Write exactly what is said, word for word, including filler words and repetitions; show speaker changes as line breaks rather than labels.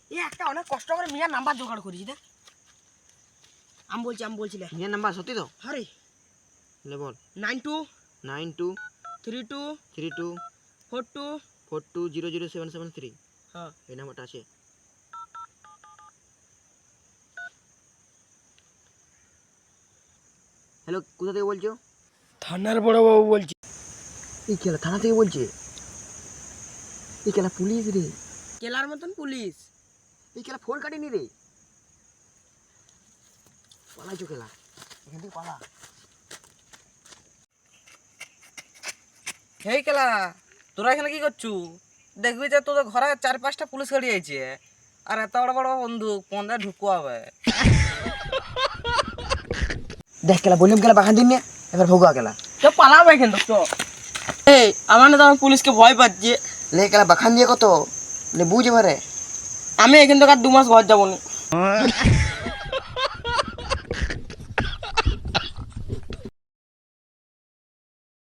এই একটা অনেক কষ্ট করে মিয়ার নাম্বার জোগাড় করেছি দেখ। আমি বলছি আমি বলছি
মিয়ার নাম্বার সত্যি তো?
হরে
লে বল।
Nine two
nine two
three two
three two
four two
four two zero zero seven seven three.
হ্যাঁ
এই নাম্বারটা আছে। হ্যালো, কোথা থেকে বলছো?
থানার বড়বাবু বলছি।
এই কেলা থানা থেকে বলছে? এই কেলা পুলিশ রে।
কেলার মতন পুলিশ।
এই কেলা ফোন কাটেনি রে। পালাইছো কেলা, এখান থেকে পালা।
হেই কেলা, তোরা এখানে কি করছু? দেখবি যে তোদের ঘরে চার পাঁচটা পুলিশ গাড়ি আইছে, আর এত বড় বড় বন্দুক পন্দে ঢুকুয়াবে।
দেখ কেলা, বললাম কেলা বাগান দিন নিয়ে, এবার ভোগা কেলা।
তো পালাবে কিন্তু তো। এই আমার না তো আমি পুলিশকে ভয় পাচ্ছি।
লে কেলা বাখান দিয়ে কত লে বুঝ এবারে।
আমি এখান থেকে আর দু মাস ঘর যাবো না।